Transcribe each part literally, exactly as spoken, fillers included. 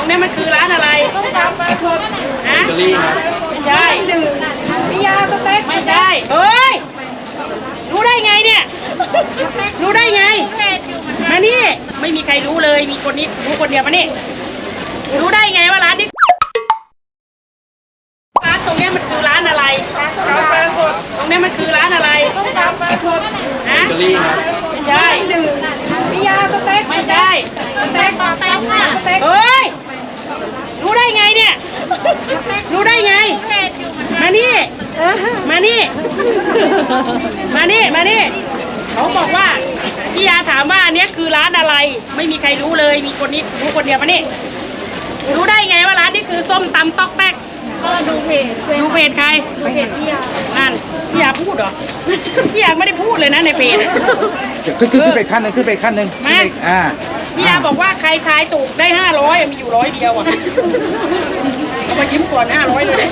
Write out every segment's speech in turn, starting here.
นี้มันคือร้านอะไรต้มตำปลาทูฮะไม่ใช่พิยาสเต็กไม่ใช่เฮ้ยรู้ได้ไงเนี่ยรู้ได้ไงมานี่ไม่มีใครรู้เลยมีคนนี้รู้คนเดียวมานี่รู้ได้ไงว่าร้านนี้ร้านตรงนี้มันคือร้านอะไรตรงนี้มันคือร้านอะไรต้มตำปลาทูฮะไม่ใช่พิยาสเต็กไม่ใช่สเต็กสเต็กค่ะเฮ้ยรู้ได้ไงเนี่ยรู้ได้ไงมานี่มานี่มานี่มานี่เขาบอกว่าพี่ยาถามว่าอันนี้คือร้านอะไรไม่มีใครรู้เลยมีคนนี้รู้คนเดียวมานี่รู้ได้ไงว่าร้านนี้คือส้มตำต๊อกแป๊กก็ดูเพจดูเพจใครเพจพี่ยานั่นพี่ยาพูดเหรอพี่ยาไม่ได้พูดเลยนะในเพจขึ้นขึ้นขึ้นไปขั้นหนึ่งขึ้นไปขั้นหนึ่งมาอ่าพี่ยาบอกว่าใครทายถูกได้ห้าร้อยมีอยู่ร้อยเดียวอ่ะเอามายิ้มก่อนห้าร้อยเลย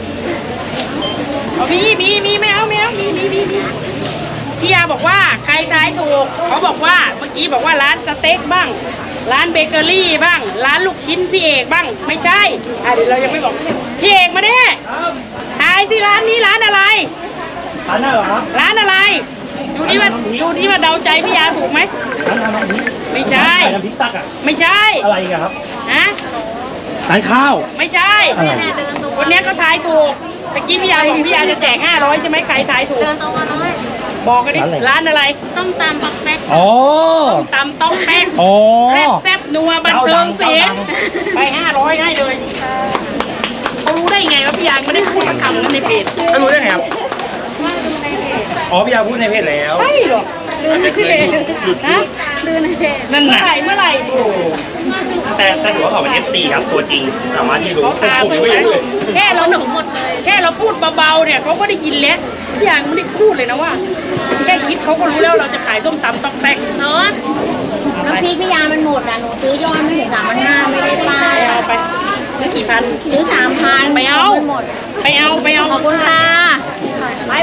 เอามีมีมีไม่เอาไม่เอามีมีมีมีพี่ยาบอกว่าใครทายถูกเขาบอกว่าเมื่อกี้บอกว่าร้านสเต็กบ้างร้านเบเกอรี่บ้างร้านลูกชิ้นพี่เอกบ้างไม่ใช่อ่ะเดี๋ยวเรายังไม่บอกพี่เอกมาเนี่ยทายสิร้านนี้ร้านอะไรร้านอะไรเหรอครับร้านอะไรดูนี่ว่าดูนี่ว่าเดาใจพี่ยาถูกไหมร้านน้ำพริกไม่ใช่น้ำพริกตักอ่ะไม่ใช่อะไรกันครับฮะร้านข้าวไม่ใช่วันนี้ก็ทายถูกตะกี้พี่ยาบอกพี่ยาจะแจกห้าร้อยใช่ไหมใครทายถูกบอกกันดิร้านอะไรต้มตำต๊อกแป๊กอ๋อต้มตำต๊อกแป๊กอ๋อแซ่บแซ่บนัวบันเทิงเสียงไปห้าร้อยให้เลยเขารู้ได้ไงว่าพี่ยาไม่ได้พูดคำนั้นในเพจเขารู้ได้ไงครับอ๋อพี่ยาพูดในเพจแล้วใช่หรอลืมในเพจฮะลืมในเพจนั่นแหละเมื่อไหร่แต่แต่ถือว่าเขาเป็น เอฟ ซี ครับตัวจริงสามารถที่รู้ผมไม่รู้เลยแค่เราหนุ่มหมดเลยแค่เราพูดเบาๆเนี่ยเขาก็ได้ยินแล้วพี่ยาไม่ได้พูดเลยนะว่าแค่คิดเขาก็รู้แล้วเราจะขายส้มตำต๊อกแป๊กเนาะน้ำพริกพี่ยามันหมดอ่ะหนูซื้อยอดไม่ถึงสามพันห้าไม่ได้ป้ายเอาไปซื้อกี่พันซื้อสามพันไปเอาไปเอาไปเอาขอบคุณค่ะไป